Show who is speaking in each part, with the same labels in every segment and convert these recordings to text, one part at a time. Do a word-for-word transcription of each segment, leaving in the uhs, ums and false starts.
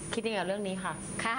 Speaker 1: คิดยังไงกับเรื่องนี้ค่ะ
Speaker 2: ค่ะ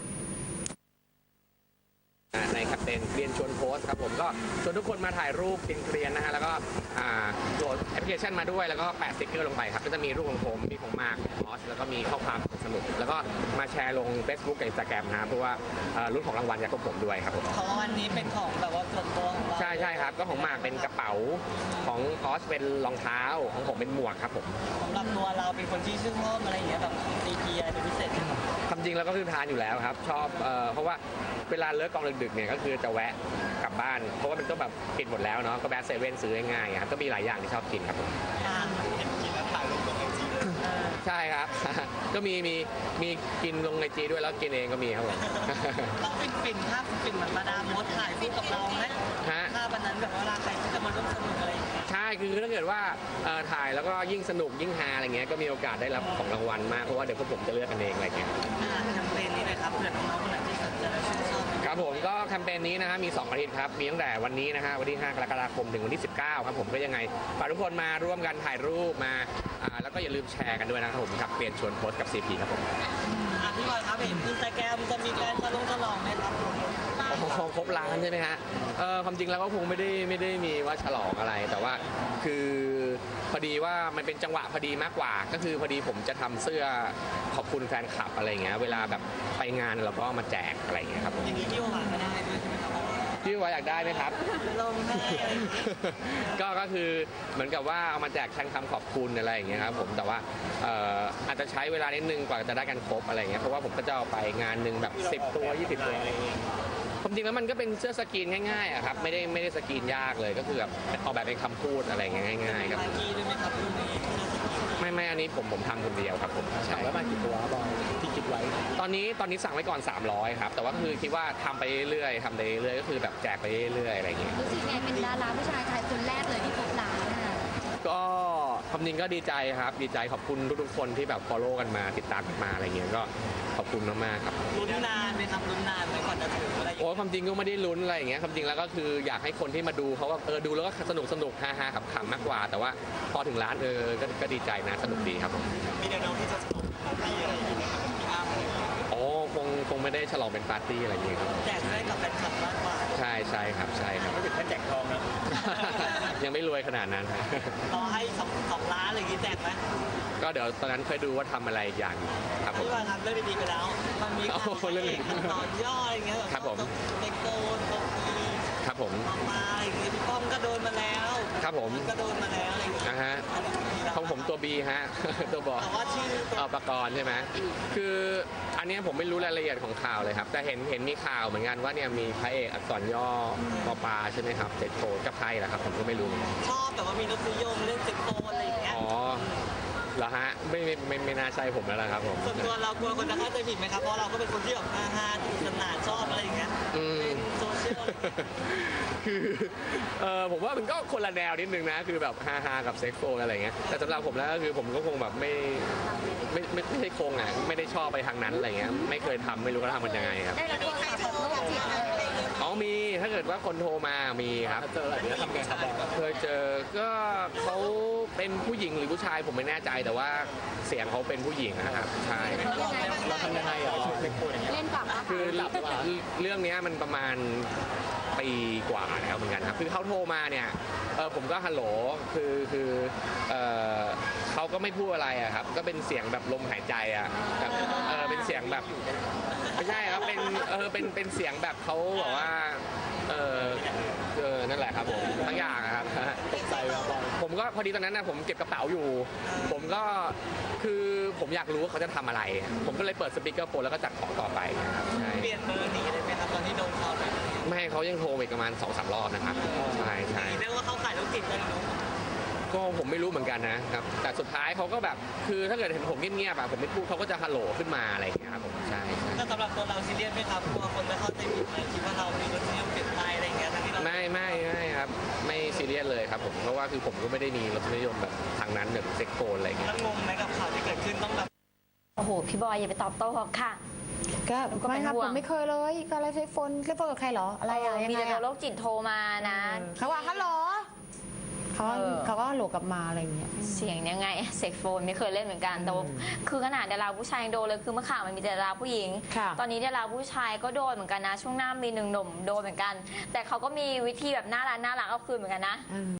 Speaker 3: ในแคมเปญเรียนชวนโพสครับผมก็ชวนทุกคนมาถ่ายรูปเกรียนๆนะฮะแล้วก็โหลดแอปพลิเคชันมาด้วยแล้วก็แปะสติ๊กเกอร์ลงไปครับก็จะมีรูปของผมมีของมาร์คของมอสแล้วก็มีข้อความสนุกแล้วก็มาแชร์ลง Facebook กับ Instagram นะเพราะว่ารุ่นของรางวัลจากพวกผมด้วยครับผม
Speaker 4: ของรางวัลนี้เป็นของแบบว่าส่วนตัวของเรา
Speaker 3: ใช่ใช่ครับก็ของมาร์คเป็นกระเป๋าของมอสเป็นรองเท้าของผมเป็นหมวกครับผม
Speaker 4: สำหรับตัวเราเป็นคนที่ชื่นชอบอะไรอย่างเงี้ยแบบตีกีอะไรเป็นพิเศษไหมครับ
Speaker 3: ความจริงเราก็คือทานอยู่แล้วครับชอบเพราะว่าเวลาเลิกกองดึกๆเนี่ยก็คือจะแวะกลับบ้านเพราะว่ามันก็แบบปิดหมดแล้วเนาะก็แวะเซเว่นซื้อง่ายๆครับก็มีหลายอย่างที่ชอบกินครับผม
Speaker 4: เห็นกินแล้วถ่ายลงลงไอจี
Speaker 3: ใช่ครับก็มีมีมีกินลงไอจีด้วยแล้วกินเองก็มีครับผม
Speaker 4: ต้องฟินฟินภาพฟินเหมือนมาดามมดถ่ายคู่กับเราไหมภาพวันนั้นแบบเวลาใครที่จะมาร่วมสนุกอะไรอย่างเงี้ย
Speaker 3: ใช่คือถ้าเกิดว่าถ่ายแล้วก็ยิ่งสนุกยิ่งฮาอะไรเงี้ยก็มีโอกาสได้รับของรางวัลมากเพราะว่าเดี๋ยวพวกผมจะเลือกกันเองอะไรเงี้ย
Speaker 4: แคมเปญนี้เลยครับเผื่อน้องๆคนไหนที่สนใจและชื่นชอบ
Speaker 3: ครับผมก็แคมเปญนี้นะฮะมีสองอาทิตย์ครับมีตั้งแต่วันนี้นะฮะวันที่ห้ากรกฎาคมถึงวันที่สิบเก้าครับผมก็ยังไงฝากทุกคนมาร่วมกันถ่ายรูปมาแล้วก็อย่าลืมแชร์กันด้วยนะครับผมครับเปลี่ยนชวนโพสกับ ซี พี ครับผม
Speaker 4: พี่บอยครับเห็นอินสตาแกรมจะมีการฉลองฉลองไหมครับ
Speaker 3: ครบล้านใช่ไหมฮะเออความจริงแล้วก็คงไม่ได้ไม่ได้มีว่าฉลองอะไรแต่ว่าคือพอดีว่ามันเป็นจังหวะพอดีมากกว่าก็คือพอดีผมจะทำเสื้อขอบคุณแฟนคลับอะไรเงี้ยเวลาแบบไปงานเราก็มาแจกอะไรเงี้ยครับ
Speaker 4: อย่างนี้พี่ว่าก็ได้ด้วยใช่ไหมครับ
Speaker 3: พี่ว่าอยากได้ไหมครับ
Speaker 4: ลงให้
Speaker 3: ก็ก็คือเหมือนกับว่าเอามาแจกแทนคำขอบคุณอะไรอย่างเงี้ยครับผมแต่ว่าอาจจะใช้เวลานิดนึงกว่าจะได้กันครบอะไรเงี้ยเพราะว่าผมก็จะเอาไปงานหนึ่งแบบสิบตัวยี่สิบตัวอะไรเงี้ยความจริงแล้วมันก็เป็นเสื้อสกรีนง่ายๆอะครับไม่ได้ไม่ได้สกรีนยากเลยก็คือแบบออกแบบเป็นคำพูดอะไรเงี้ยง่ายๆครับไม่ไม่อันนี้ผมผมทำคนเดียวครับผม
Speaker 4: สั่งไว้มากี่ตัวบอยที่คิดไว้
Speaker 3: ตอนนี้ตอนนี้สั่งไว้ก่อนสามร้อยครับแต่ว่าคือคิดว่าทำไปเรื่อยๆทำไปเรื่อยๆก็คือแบบแจกไปเรื่อยๆอะไรเงี้ย
Speaker 2: รู้สึกไงเป็นดาราผู้ชายไทยคนแรกเลยที่ครบล้านอ่ะ
Speaker 3: ก็ความจริงก็ดีใจครับดีใจขอบคุณทุกๆคนที่แบบ follow กันมาติดตามกันมาอะไรเงี้ยก็ขอบคุณมากๆครับ
Speaker 4: ลุ้นนานไหมครับลุ้นนานไหมก่อนจะถึงอะไร
Speaker 3: โอ้ความจริงก็ไม่ได้ลุ้นอะไรอย่างเงี้ยความจริงแล้วก็คืออยากให้คนที่มาดูเขาว่าเออดูแล้วก็สนุกสนุกฮาฮาขำๆมากกว่าแต่ว่าพอถึงร้านเออก็ดีใจนะสนุกดีครับผม
Speaker 4: มีแนวโน้มที่จะฉลองปาร์ตี้อะไรอย่างเงี้ยครับพี่อ้ำอะไรอย่างเงี้ย
Speaker 3: อ๋อคงคงไม่ได้ฉลองเป็นปาร์ตี้อะไรอย่างเงี้ยครับ
Speaker 4: แจกให้กับแฟนคลับมากกว่า
Speaker 3: ใช่ใช่ครับใช่ครับ
Speaker 4: ไม่ถึงแค่แจกทองนะ
Speaker 3: ยังไม่รวยขนาดนั้น
Speaker 4: รอให้สองสองล้านอะไรอย่างงี้แจกไหม
Speaker 3: ก็เดี๋ยวตอนนั้นค่อยดูว่าทำอะไรอย่างครับผม
Speaker 4: ที่ว่าทำเรื่องดีๆไปแล้วมันมีขั้นตอนย่ออะไรอย่างเงี้ย
Speaker 3: ครับผม
Speaker 4: เด็กโตนตกที
Speaker 3: ครับผม
Speaker 4: มาอะไรอย่างเงี้ยพี่ป้อมก็โดนมาแล้ว
Speaker 3: ครับผม
Speaker 4: ก็โดนมาแล้วอะไรอย่างเงี้ย
Speaker 3: นะฮะของผมตัว B ฮะตัวบอ
Speaker 4: แต่ว่าชื่อ
Speaker 3: เอาปกรณ์ใช่ไหมคืออันนี้ผมไม่รู้รายละเอียดของข่าวเลยครับแต่เห็นเห็นมีข่าวเหมือนกันว่าเนี่ยมีพระเอกอักษรย่อปอปาใช่ไหมครับเซ็ตโฟกับใครล่ะครับผมก็ไม่รู้
Speaker 4: ชอบแต่ว่ามีรสนิยมเรื่องเซ็ตโฟอะไรอย่างเงี้ย
Speaker 3: อ๋อเหรอฮะไม่ไม่ไม่ไม่น่าใช่ผมแล้วละครับผม
Speaker 4: ส่วนตัวเรากลัวคนจะเข้าใจผิดไหมครับเพราะเราก็เป็นคนที่แบบฮาฮาสนุกสนานชอบอะไรอย่างเงี้ยเป็นโซเชียล
Speaker 3: คือเออผมว่ามันก็คนละแนวนิดนึงนะคือแบบฮาฮากับเซ็กโฟอะไรเงี้ยแต่สำหรับผมแล้วก็คือผมก็คงแบบไม่ไม่ไม่ไม่ใช่คงอ่ะไม่ได้ชอบไปทางนั้นอะไรเงี้ยไม่เคยทำไม่รู้เขาทำมันยังไงครับ
Speaker 2: ได้รับโทรศัพท์แบบโรคจิตอะไร
Speaker 3: อ๋อมีถ้าเกิดว่าคนโทรมามีครับ
Speaker 4: เจออะไรนี้ทำไงครับ
Speaker 3: เคยเจอก็เขาเป็นผู้หญิงหรือผู้ชายผมไม่แน่ใจแต่ว่าเสียงเขาเป็นผู้หญิงนะครับใช่
Speaker 4: เราทำยังไงอ่ะ
Speaker 2: เล่นกับ
Speaker 3: คือเรื่องนี้มันประมาณปีกว่าแล้วเหมือนกันครับคือเขาโทรมาเนี่ยเออผมก็ฮัลโหลคือคือเออเขาก็ไม่พูดอะไรอะครับก็เป็นเสียงแบบลมหายใจอะแบบเออเป็นเสียงแบบไม่ใช่ครับเป็นเออเป็นเป็นเสียงแบบเขาบอกว่าเออเออนั่นแหละครับผมทั้งอย่างครับ
Speaker 4: ตกใจ
Speaker 3: ผมก็พอดีตอนนั้นนะผมเก็บกระเป๋าอยู่ผมก็คือผมอยากรู้ว่าเขาจะทำอะไรผมก็เลยเปิดสปีกเกอร์โฟนแล้วก็จัดของต่อไปครับใช่
Speaker 4: เปลี่ยนเบอร์หนีเลยไหมครับตอนที่โดนเขาเลย
Speaker 3: ไม่เขายังโทรอีกประมาณสองสามรอบนะครับใช่ใช่
Speaker 4: เรียกว่าเขาขายโรคจิตเลยเนาะ
Speaker 3: ก็ผมไม่รู้เหมือนกันนะครับแต่สุดท้ายเขาก็แบบคือถ้าเกิดเห็นผมเงียบๆแบบผมไม่พูดเขาก็จะฮัลโหลขึ้นมาอะไรอย่างเงี้ยครับผมใช่
Speaker 4: แต่สำหรับตัวเราซีเรียสไหมครับกลัวคนจะเข้าใจผิดไหมคิดว่าเรามีรสนิยมเปลี่ยนไปอะไรอย่างเงี้ยทั้งที่เรา
Speaker 3: ไม่ไม่ไม่ครับไม่ซีเรียสเลยครับผมเพราะว่าคือผมก็ไม่ได้มีรสนิยมแบบทางนั้นแบบเซ็กโฟนอะไรเงี้ย
Speaker 4: แล้วงงไหมกับข่าวที่เกิดขึ้นต้องแบบ
Speaker 2: โอ้โหพี่บอยอย่าไปตอบโต้ค่ะ
Speaker 1: ก็ไม่ครับผมไม่เคยเลยก็อะไรใช้โฟนใช้โฟนกับใครเหรออะไรอะไรยังไงมี
Speaker 2: แต่โรคจิตโทรมานะ
Speaker 1: เขาว่าฮัลโหลเขาก็
Speaker 2: เออ
Speaker 1: เขาก็โหลกลับมาอะไรอย่างเงี้ย
Speaker 2: เสียงยังไงเซ็กโฟนไม่เคยเล่นเหมือนกันแต่ว่าคือขนาดดาราผู้ชายยังโดนเลยคือเมื่อข่าวมันมีแต่ดาราผู้หญิง
Speaker 1: ค่ะ
Speaker 2: ตอนนี้ดาราผู้ชายก็โดนเหมือนกันนะช่วงหน้ามีหนึ่งหนุ่มโดนเหมือนกัน แต่เขาก็มีวิธีแบบน่ารักน่ารักเอาคืนเหมือนกันนะ